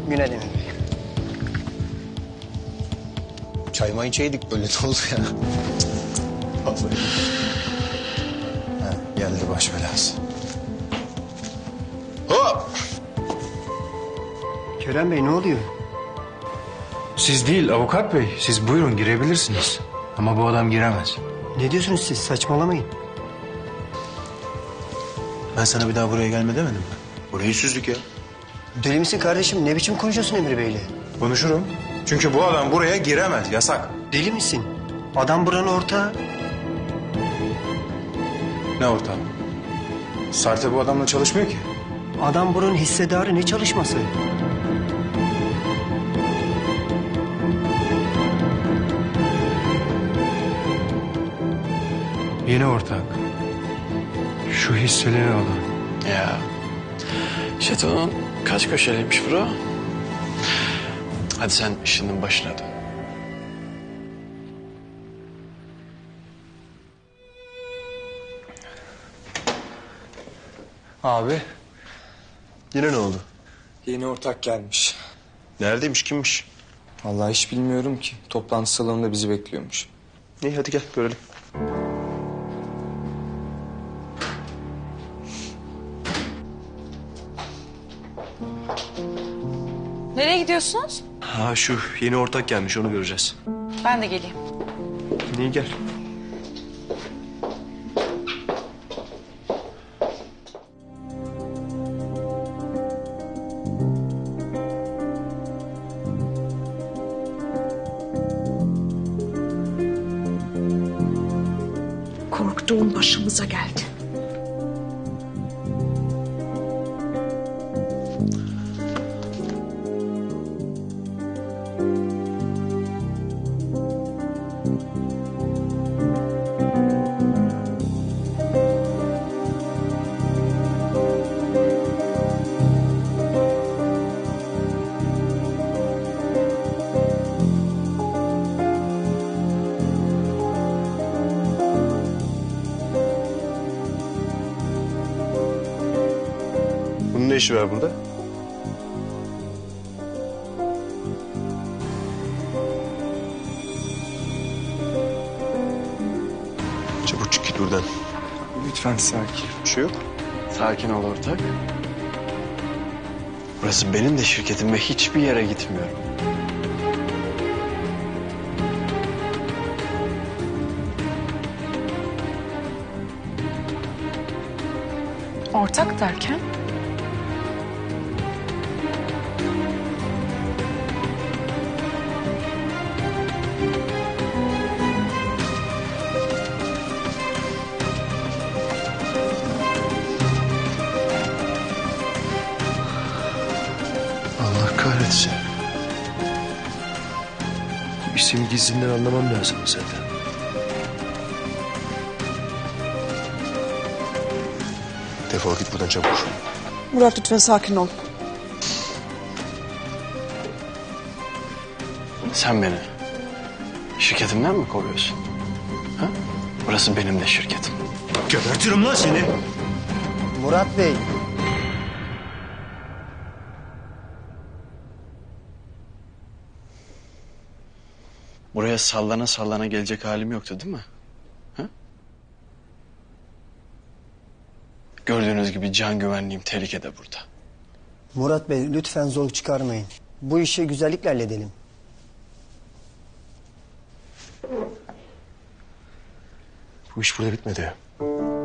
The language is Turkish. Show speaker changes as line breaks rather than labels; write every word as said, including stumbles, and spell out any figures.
Günaydın Emir Bey.
Çay may içeydik böyle de oldu ya. Vallahi. Ha, geldi baş belası. Hop!
Kerem Bey ne oluyor?
Siz değil avukat bey. Siz buyurun girebilirsiniz. Ama bu adam giremez.
Ne diyorsunuz siz? Saçmalamayın.
Ben sana bir daha buraya gelme demedim mi? Burayı süzdük ya.
Deli misin kardeşim? Ne biçim konuşuyorsun Emir Bey'le?
Konuşurum. Çünkü bu adam buraya giremez. Yasak.
Deli misin? Adam buranın ortağı.
Ne ortam? Sarte bu adamla çalışmıyor ki.
Adam buranın hissedarı, ne çalışması?
Yeni ortak. Şu hisseleri alan.
Ya. Şatonun kaç köşeliymiş bro? Hadi sen işinin başına dön.
Abi,
Yine ne oldu?
yeni ortak gelmiş.
Neredeymiş, kimmiş?
Vallahi hiç bilmiyorum ki. Toplantı salonunda bizi bekliyormuş.
İyi hadi gel görelim.
Nereye gidiyorsunuz?
Ha şu yeni ortak gelmiş, onu göreceğiz.
Ben de geleyim.
İyi gel.
Korktuğum başımıza geldi.
Bunun ne işi var burada? Çabuk çık git buradan.
Lütfen sakin.
Bir şey yok.
Sakin ol ortak. Burası benim de şirketim ve hiçbir yere gitmiyorum.
Ortak derken?
Allah kahretsin. Bu isim gizlinden anlamam lazım zaten. Defol git buradan çabuk.
Murat lütfen sakin ol.
Sen beni şirketimden mi kovuyorsun? Ha? Burası benim de şirketim.
Gebertirim lan seni.
Murat Bey.
Buraya sallana sallana gelecek halim yoktu değil mi? Ha? Gördüğünüz gibi can güvenliğim tehlikede burada.
Murat Bey lütfen zor çıkarmayın. Bu işi güzellikle halledelim.
Bu iş burada bitmedi.